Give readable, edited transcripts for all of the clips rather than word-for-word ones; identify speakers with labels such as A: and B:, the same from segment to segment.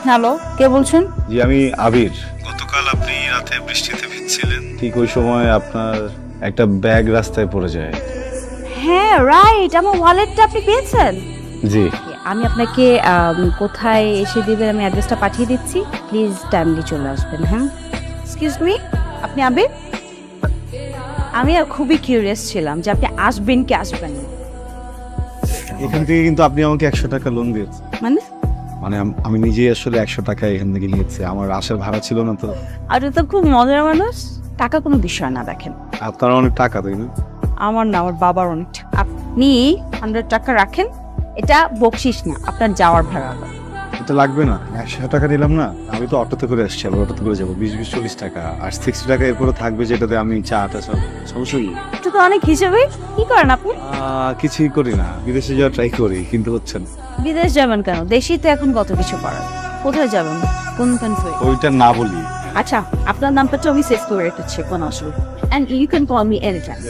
A: Hello, কে বলছেন?
B: জি আমি আবির। গতকাল আপনি রাতে বৃষ্টিতে ভিজছিলেন, ঠিক ওই সময় আপনার একটা ব্যাগ রাস্তায় পড়ে যায়।
A: হ্যাঁ রাইট, আমার ওয়ালেটটা আপনি পেয়েছেন?
B: জি
A: আমি আপনাকে কোথায় এসে দিবেন আমি অ্যাড্রেসটা পাঠিয়ে দিচ্ছি, প্লিজ টাইমলি চলে আসবেন। হ্যাঁ, এক্সকিউজ মি, আপনি আবির? আমি আর খুবই কিউরিয়াস ছিলাম যে আপনি আসবেন কি আসবেন না।
B: এখান থেকে কিন্তু আপনি আমাকে 100 টাকা লোন দিয়েছেন।
A: মানে
B: মানে আমি নিজেই আসলে 100 টাকা এখান থেকে নিয়েছি, আমার আসার ভাড়া ছিল না তো।
A: আপনি তো খুব মজার মানুষ। টাকা কোনো বিষয় না, দেখেন
B: আপনার অনেক টাকা তাই না?
A: আমার না, আমার বাবার অনেক টাকা। আপনি 100 টাকা রাখেন, এটা বকশিস না, আপনার যাওয়ার ভাড়া।
B: এটা লাগবে না, 100 টাকা নিলাম না। আমি তো অটোতে করে আসছি, আবার অটোতে করে যাবো। 20-40 টাকা আর 60 টাকা এরপরে থাকবে, যেটাতে আমি চাটা সব সমস্যা নেই।
A: এটা তো অনেক হিসেবে। কি করেন আপনি?
B: কিছুই করি না, বিদেশে যাওয়ার ট্রাই করি কিন্তু হচ্ছে না।
A: বিদেশ যাবেন কেন? দেশেই তো এখন কত কিছু করার। কোথায় যাবেন? কোন কান্ট্রি?
B: ওইটা না বলি।
A: আচ্ছা, আপনার নামটা তো আমি সেভ করে রেখেছি, কোনো অসুবিধা। And you can call me any time.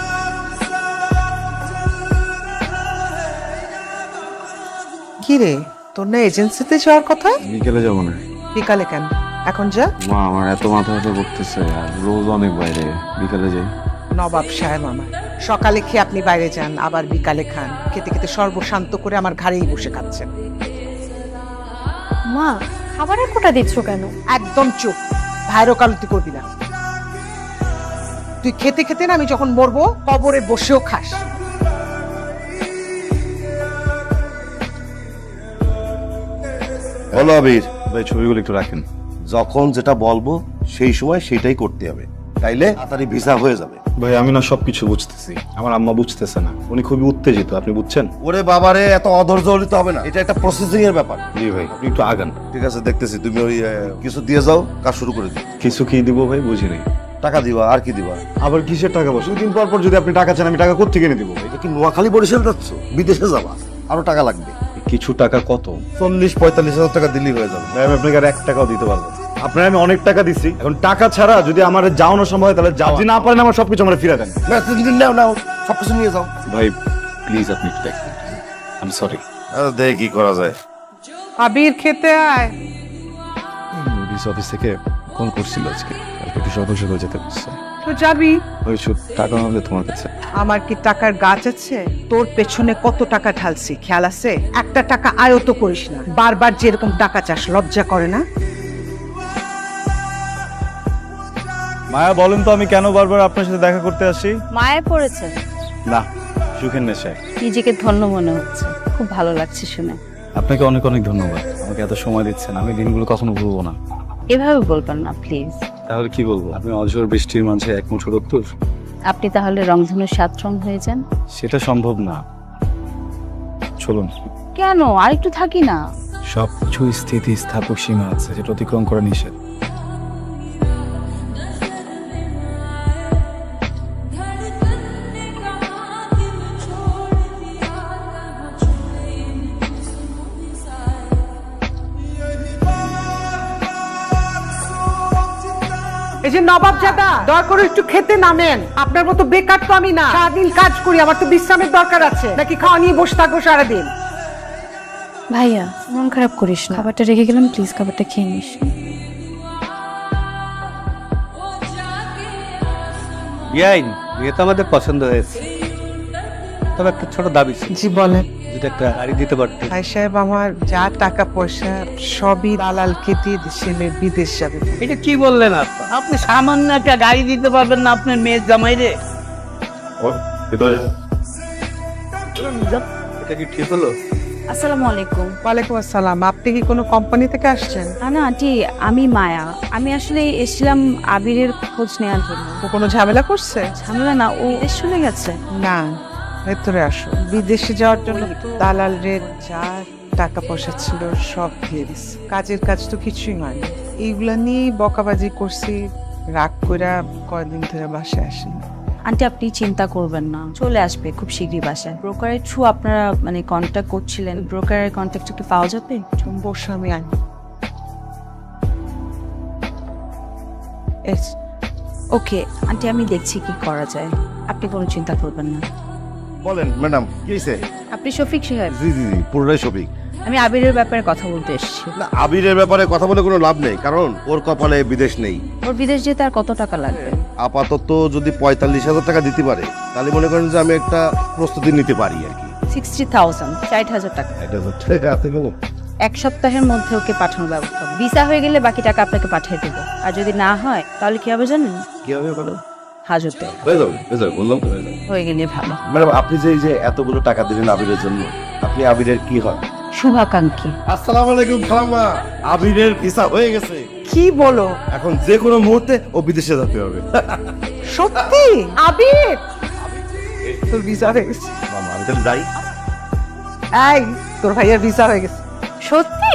C: কি রে, তোর না এজেন্সিতে যাওয়ার কথা?
B: বিকেলে যাবো না।
C: বিকালে কেন? এখন যা।
B: মা আমার এত মাথা ব্যথা করতেছে, আর রোজ অনেক বাইরে, বিকালে যাই।
C: নবাব সাহেব আমার সকালে খেয়ে আপনি বাইরে যান, আবার বিকালে খান। খেতে খেতে সর্বশান্ত করে আমার ঘাড়েই বসে খাচ্ছেন।
D: মা, খাবারের কোটা দিচ্ছ কেন?
C: একদম চুপ, ভাইয়ের ওকালতি করবি না। তুই খেতে খেতে না আমি যখন মরবো কবরে বসেও খাস।
E: বলো আবির,
B: ভাই ছবিগুলো একটু রাখেন।
E: যখন যেটা বলবো সেই সময় সেটাই করতে হবে, তাইলে তাড়াতাড়ি ভিসা হয়ে যাবে।
B: ভাই আমি না সবকিছু বুঝতেছি, আমার আম্মা বুঝতেছে না, উনি খুবই উত্তেজিত, আপনি বুঝছেন?
E: ওরে বাবারে, এত অধৈর্য হলে তো হবে না, এটা একটা প্রসেসিং এর ব্যাপার।
B: জি ভাই আপনি একটু আগান।
E: ঠিক আছে, দেখতেছি। তুমি ওই কিছু দিয়ে যাও, কাজ শুরু করে দিও।
B: কিছু কি দিব ভাই বুঝিনি।
E: টাকা দিবা, আর কি দিবা?
B: আবার কিসের টাকা? বসে দিন পর পর যদি আপনি টাকা চান, আমি টাকা কোত্থেকে এনে দিব ভাই?
E: এটা কি নোয়াখালী বরিশাল যাচ্ছ? বিদেশে যাবা, আরো টাকা লাগবে।
B: কিছু টাকা কত?
E: 40-45 হাজার টাকা দিলেই হয়ে যাবে।
B: ভাই আমি আপনাকে আর 1 টাকাও দিতে পারবো না। আপনার আমি অনেক টাকা দিচ্ছি, এখন টাকা ছাড়া যদি আমার যাওয়ানো সম্ভব হয় তাহলে যাও, যদি না পারেন আমার সবকিছু আমার ফিরে দেন।
E: না, তুমি নাও নাও, সবকিছু নিয়ে যাও।
B: ভাই প্লিজ আপনি একটু দেখেন, আই এম সরি।
E: দেখে কি করা যায়।
C: আবির খেতে আয়।
B: পুলিশ অফিস থেকে ফোন করছিল আজকে, কালকে একটু সকাল সকাল যেতে বলছে।
C: তো যাবি।
B: ওই টাকা হবে তোমার কাছে?
C: আমার কি টাকার গাছ আছে? তোর পেছনে কত টাকা ঢালছি খেয়াল আছে? একটা টাকা আয়ত করিস না, বারবার যেরকম টাকা চাস, লজ্জা করে না?
B: মায়া বলেন তো আমি কেন বারবার আপনার সাথে দেখা করতে আসি?
A: মায়ে পড়েছেন?
B: না, সুখের নেশায়।
A: নিজেকে ধন্য মনে হচ্ছে, খুব ভালো লাগছে শুনে।
B: আপনাকে অনেক অনেক ধন্যবাদ, আমাকে এত সময় দিচ্ছেন, আমি দিনগুলো কখনো ভুলবো না।
A: এভাবে বলবেন না প্লিজ।
B: তাহলে কি বলবো? আপনি অঝোর বৃষ্টির মাঝে এক মুঠো রক্তর।
A: আপনি তাহলে রংধনুর 7 রং হয়ে যান।
B: সেটা সম্ভব না, চলুন।
A: কেন? আর একটু থাকি না।
B: সব কিছু স্থিতি স্থাপক সীমা আছে, যেটা অতিক্রম করা নিষেধ।
C: এই যে নবাব জাদা, দয়া করে একটু খেতে নামেন। আপনার মতো বেকার তো আমি না, সারাদিন কাজ করি, আমার তো বিশ্রামের দরকার আছে। নাকি খাওয়া নিয়ে বসে থাকবো সারাদিন?
D: ভাইয়া, মন খারাপ করিস না, খাবারটা রেখে গেলাম, প্লিজ খাবারটা খেয়ে নিস।
F: ইয়াইন, বিয়ে তো আমাদের পছন্দ হয়েছে, তবে একটা ছোট দাবি ছিল।
C: জি বলেন।
F: যদি একটা গাড়ি দিতে পারতে।
C: ভাই সাহেব, আমার যা টাকা পয়সা সবই দালালকে দিয়ে দেশে মেয়ে বিদেশ যাবে।
F: এটা কি বললেন আপনি? আপনি সামান্য একটা গাড়ি দিতে পারবেন না আপনার মেয়ের জামাইরে? এটা কি ঠিক হলো?
A: আসসালামু আলাইকুম।
C: ওয়ালাইকুম আসসালাম। আপনি কি কোনো কোম্পানি থেকে আসছেন?
A: না আন্টি, আমি মায়া। আমি আসলে এসেছিলাম আবিরের খোঁজ নেওয়ার জন্য।
C: ও কোনো ঝামেলা করছে?
A: ঝামেলা না, ও দেশ চলে গেছে।
C: না, ভেতরে আসো। বিদেশে যাওয়ার জন্য দালাল রে যা টাকা পয়সা ছিল সব দিয়ে দিচ্ছে। কাজের কাজ তো কিছুই হয়নি। এইগুলা নিয়ে বকাবাজি করছি, রাগ কইরা কয়দিন ধরে বাসায় আসেনি।
A: আন্টি আপনি চিন্তা করবেন না, চলে আসবে খুব শীঘ্রই বাসায়। ব্রোকারের থ্রু আপনারা মানে কন্ট্যাক্ট করছিলেন, ব্রোকারের কন্ট্যাক্ট একটু পাওয়া যাবে?
C: বসে আমি আনি।
A: ওকে আন্টি, আমি দেখছি কি করা যায়, আপনি কোনো চিন্তা করবেন না।
E: বলেন ম্যাডাম, কি হয়েছে?
A: আপনি শফিক সাহেব?
E: জি জি জি, পুরোটাই শফিক।
A: আমি আবিরের ব্যাপারে কথা বলতে এসেছি।
E: না, আবিরের ব্যাপারে কথা বলে কোনো লাভ নেই, কারণ ওর কপালে বিদেশ নেই।
A: ওর বিদেশ যেতে আর কত টাকা লাগবে?
E: আপাতত যদি 45,000 টাকা দিতে পারে তাহলে মনে করেন যে আমি একটা প্রস্তুতি নিতে পারি আর কি।
A: 60,000, 60,000 টাকা।
E: এটা তো ঠিক আছে গো।
A: এক সপ্তাহের মধ্যে ওকে পাঠানোর ব্যবস্থা হবে। ভিসা হয়ে গেলে বাকি টাকা আপনাকে পাঠিয়ে দেবো। আর যদি না হয় তাহলে কি হবে জানেন?
E: কি হবে বলো?
A: হাজতে
E: হয়ে যাবে, বললাম তো হয়ে যাবে।
A: হয়ে গেলে ভালো।
E: ম্যাডাম, আপনি যে এই যে এতগুলো টাকা দিলেন আবিরের জন্য, আপনি আবিরের কি হয়?
A: শুভাকাঙ্ক্ষী।
E: আসসালামু আলাইকুম খালাম্মা। আবিরের ভিসা হয়ে গেছে,
C: কি বলো?
E: এখন যে কোনো মুহূর্তে ও বিদেশে যেতে হবে।
C: সত্যি? আবির তোর ভিসা হয়ে গেছে।
E: মামা, আমি তাহলে যাই।
C: এই তোর ভাইয়ের ভিসা হয়ে গেছে।
A: সত্যি?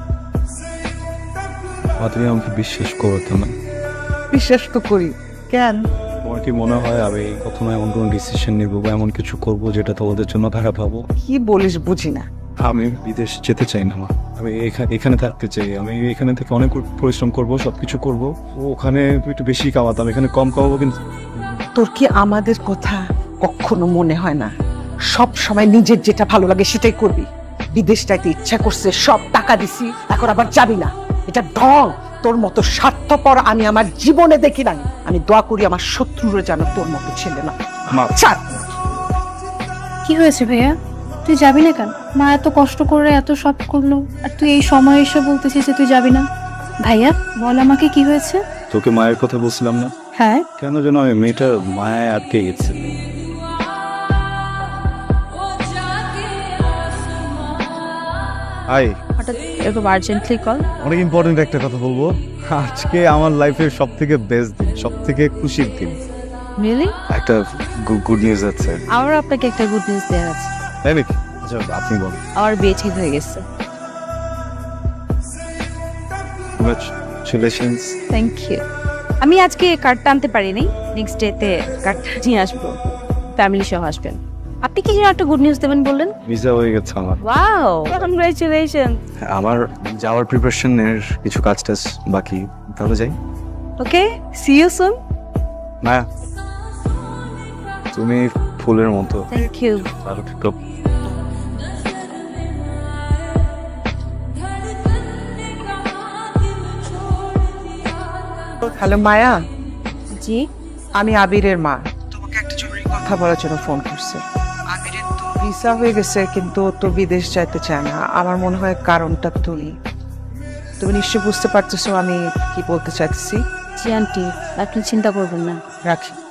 B: তুমি আমাকে বিশ্বাস করতো না।
C: বিশ্বাস তো করি। কেন?
B: তোমার কি মনে হয় আমি কখনো এমন কোনো ডিসিশন নিব বা এমন কিছু করব যেটা তোমাদের জন্য খারাপ হবো?
C: কি বলিস বুঝি না।
B: আমি বিদেশ যেতে চাই না মা। আমি এখানে থাকতে চাই। আমি এখানে থেকে অনেক পরিশ্রম করব, সবকিছু করব। ওখানে একটু বেশি কামাতাম, এখানে কম কামাবো। কিন্তু
C: তোর কি আমাদের কথা কখনো মনে হয় না? সব সময় নিজের যেটা ভালো লাগে সেটাই করবি। বিদেশ যাইতে ইচ্ছা করছে, সব টাকা দিছি, এখন আবার যাবি না। এটা ঢং। তোর মতো স্বার্থপর আমি আমার জীবনে দেখি নাই। আমি দোয়া করি আমার শত্রুরা যেন তোর মতো ছেলে না।
B: মা,
C: ছাড়।
D: কি হয়েছে ভাইয়া? তুই যাবি না কেন? মা এত কষ্ট করে এত সব করলো, আর তুই এই সময় এসে বলতেছিস যে তুই যাবি না। ভাইয়া বল আমাকে কি হয়েছে?
B: তোকে মায়ের কথা বলছিলাম না?
D: হ্যাঁ।
B: কেন যেন আমি মেয়েটার মায়ায় আটকে গেছে। হাই,
A: হঠাৎ এরকম আর্জেন্টলি কল?
B: অনেক ইম্পর্টেন্ট একটা কথা বলবো। আজকে আমার লাইফের সব থেকে বেস্ট দিন, সব থেকে খুশির দিন।
A: রিয়েলি?
B: একটা গুড নিউজ আছে।
A: আমারও আপনাকে একটা গুড নিউজ দেওয়ার আছে।
B: তাই নাকি? আচ্ছা, আপনি বলুন।
A: আমার বিয়ে ঠিক হয়ে গেছে।
B: কংগ্রাচুলেশনস।
A: Thank you. আমি আজকে কার্ডটা আনতে পারিনি, নেক্সট ডেতে কার্ডটা নিয়ে আসবো। ফ্যামিলি সহ আসবেন। আপনি কি যেন একটা গুড নিউজ দেবেন বললেন?
B: ভিসা হয়ে গেছে আমার।
A: Wow, congratulation.
B: আমার যাওয়ার প্রিপারেশনের কিছু কাজ টাজ বাকি, তাহলে যাই।
A: ওকে, সি ইউ সুন।
B: মায়া, তুমি ফুলের মতো।
A: Thank you.
B: ভালো থেকো।
C: হ্যালো মায়া,
A: জি।
C: আমি আবিরের মা। তোমাকে একটা জরুরি কথা বলার জন্য ফোন করছে। আবিরের তো ভিসা হয়ে গেছে, কিন্তু তো বিদেশ যাইতে চায় না। আমার মনে হয় কারণটা তুমি নিশ্চয়ই বুঝতে পারতেছো আমি কি বলতে চাইছি।
A: জি আন্টি, আপনি চিন্তা করবেন না।
C: রাখি।